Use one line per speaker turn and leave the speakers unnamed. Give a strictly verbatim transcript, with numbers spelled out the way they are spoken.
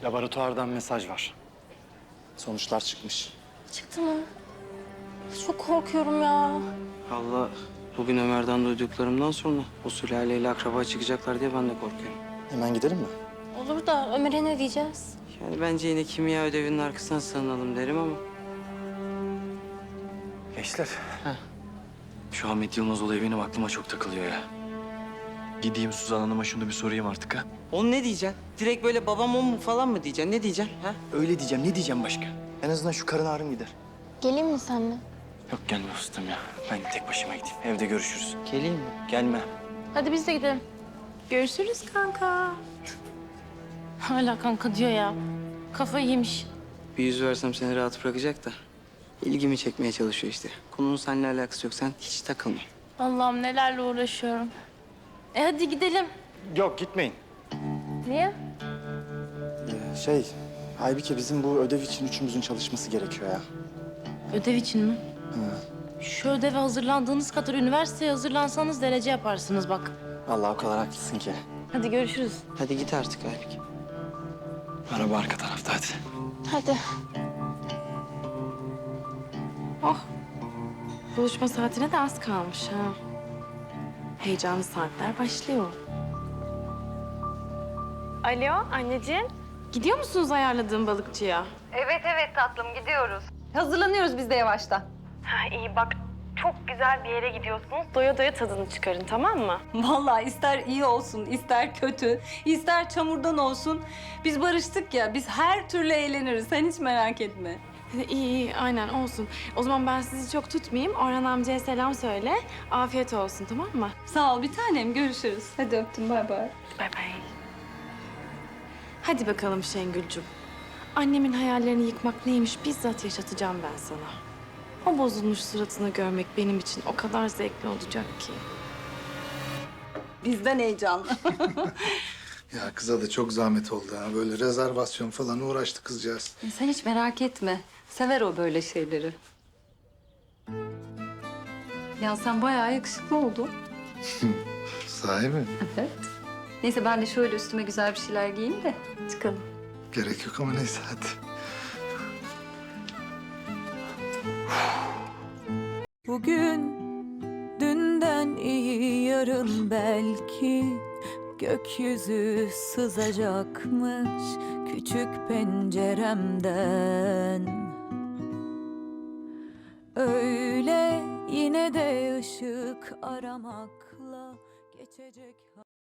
Laboratuvardan mesaj var. Sonuçlar çıkmış.
Çıktı mı? Çok korkuyorum ya.
Allah, bugün Ömer'den duyduklarımdan sonra o sülaleyle akraba çıkacaklar diye ben de korkuyorum.
Hemen gidelim mi?
Olur da Ömer'e ne diyeceğiz?
Yani bence yine kimya ödevinin arkasına sığınalım derim ama.
Gençler.
Heh.
Şu Ahmet Yılmaz olayı benim aklıma çok takılıyor ya. Gideyim Suzan Hanım'a şunu bir sorayım artık ha.
Onu ne diyeceksin? Direkt böyle babam o mu falan mı diyeceksin? Ne diyeceksin? Ha?
Öyle diyeceğim. Ne diyeceğim başka? En azından şu karın ağrım gider.
Geleyim mi seninle?
Yok gelme ustam ya. Ben tek başıma gideyim. Evde görüşürüz.
Geleyim mi?
Gelme.
Hadi biz de gidelim. Görüşürüz kanka. Hala kanka diyor ya. Kafayı yemiş.
Bir yüz versem seni rahat bırakacak da. İlgimi çekmeye çalışıyor işte. Konunun seninle alakası yok. Sen hiç takılma.
Allah'ım nelerle uğraşıyorum. E hadi gidelim.
Yok gitmeyin.
Niye?
Ee, şey, Aybike bizim bu ödev için üçümüzün çalışması gerekiyor ya.
Ödev için mi? Şu ödeve hazırlandığınız kadar üniversiteye hazırlansanız derece yaparsınız bak.
Vallahi o kadar haklısın ki.
Hadi görüşürüz.
Hadi git artık Aybik.
Araba arka tarafta hadi.
Hadi.
Oh, buluşma saatine de az kalmış ha. Heyecanlı saatler başlıyor. Alo anneciğim. Gidiyor musunuz ayarladığım balıkçıya?
Evet evet tatlım gidiyoruz.
Hazırlanıyoruz biz de yavaştan. Ha iyi bak çok güzel bir yere gidiyorsunuz. Doya doya tadını çıkarın tamam mı?
Vallahi ister iyi olsun, ister kötü, ister çamurdan olsun. Biz barıştık ya, biz her türlü eğleniriz. Sen hiç merak etme.
İyi iyi aynen olsun. O zaman ben sizi çok tutmayayım. Orhan amcaya selam söyle. Afiyet olsun tamam mı?
Sağ ol bir tanem, görüşürüz. Hadi öptüm, bay bay.
Bay bay. Hadi bakalım Şengül'cüm. Annemin hayallerini yıkmak neymiş bizzat yaşatacağım ben sana. O bozulmuş suratını görmek benim için o kadar zevkli olacak ki.
Bizden heyecanlı.
Ya kıza da çok zahmet oldu ha. Böyle rezervasyon falan uğraştı kızcağız.
Sen hiç merak etme. Sever o böyle şeyleri. Ya sen bayağı yakışıklı oldun.
Sahi mi?
Evet. Neyse ben de şöyle üstüme güzel bir şeyler giyeyim de çıkalım.
Gerek yok ama neyse hadi.
Bugün dünden iyi yarın belki gökyüzü sızacakmış küçük penceremden. Öyle yine de ışık aramakla geçecek.